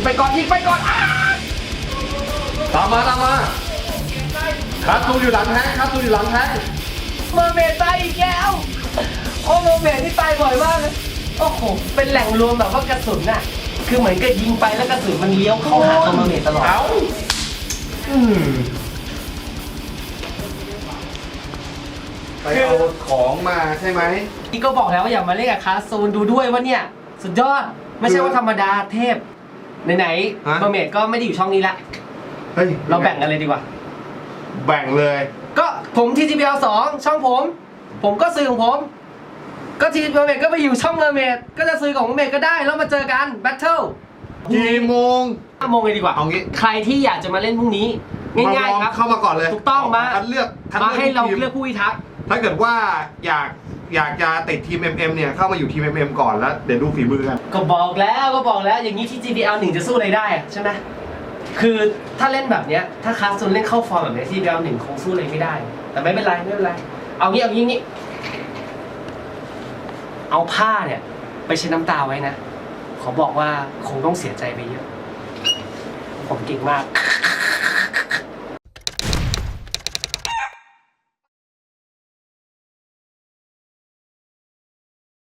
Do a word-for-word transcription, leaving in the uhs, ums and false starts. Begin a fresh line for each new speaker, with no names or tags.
ไปก่อนยิงไปก่อนตามมาตามมาคาตูอยู่หลังแท้งคาตูอยู่หลังแท้ง
เมอร์เมดตายอีกแล้วโอ้เมอร์เมดที่ตายบ่อยมากเลยโอ้โหเป็นแหล่งรวมแบบว่ากระสุนน่ะคือเหมือนกับยิงไปแล้วกระสุนมันเลี้ยวเข้าหาตัวเมอร์เมดตลอด
เอ้าอืมไปเอาของมาใช่ไหม
นี่ก็บอกแล้วว่าอย่ามาเล่นกับคาซูนดูด้วยว่าเนี่ยสุดยอดไม่ใช่ว่าธรรมดาเทพไหนๆเมอร์เมดก็ไม่ได้อยู่ช่องนี้ละเราแบ่งกันเลยดีกว่า
แบ่งเลย
ก็ผมที จี พี แอล สองช่องผมผมก็ซื้อของผมก็ทีเมอร์เมดก็ไปอยู่ช่องเมอร์เมดก็จะซื้อของเมอร์เมดก็ได้แล้วมาเจอกันแบทเทิล
กี่โมง
ห้าโมงเลยดีกว่า
เอางี้
ใครที่อยากจะมาเล่นพรุ่งนี้ง่ายๆครับ
เข้ามาก่อนเลย
ถูกต้องมา
คัดเลือก
มาให้เราเลือกผู้พิทักษ์
ถ้าเกิดว่าอยากอยากจะติดทีม เอ็ม เอ็ม เนี่ยเข้ามาอยู่ทีม เอ็ม เอ็ม ก่อนแล้วเดี๋ยวดูฝีมือกัน
ก็บอกแล้วก็บอกแล้วอย่างนี้ที่ จี พี แอล หนึ่งจะสู้อะไรได้ใช่ไหมคือถ้าเล่นแบบเนี้ยถ้าคาซูนเล่นเข้าฟอร์มแบบนี้ จี พี แอล หนึ่งคงสู้อะไรไม่ได้แต่ไม่เป็นไรไม่เป็นไรเอางี้เอางี้งี้เอาผ้าเนี่ยไปเช็ดน้ำตาไว้นะขอบอกว่าคงต้องเสียใจไปเยอะผมเก่งมาก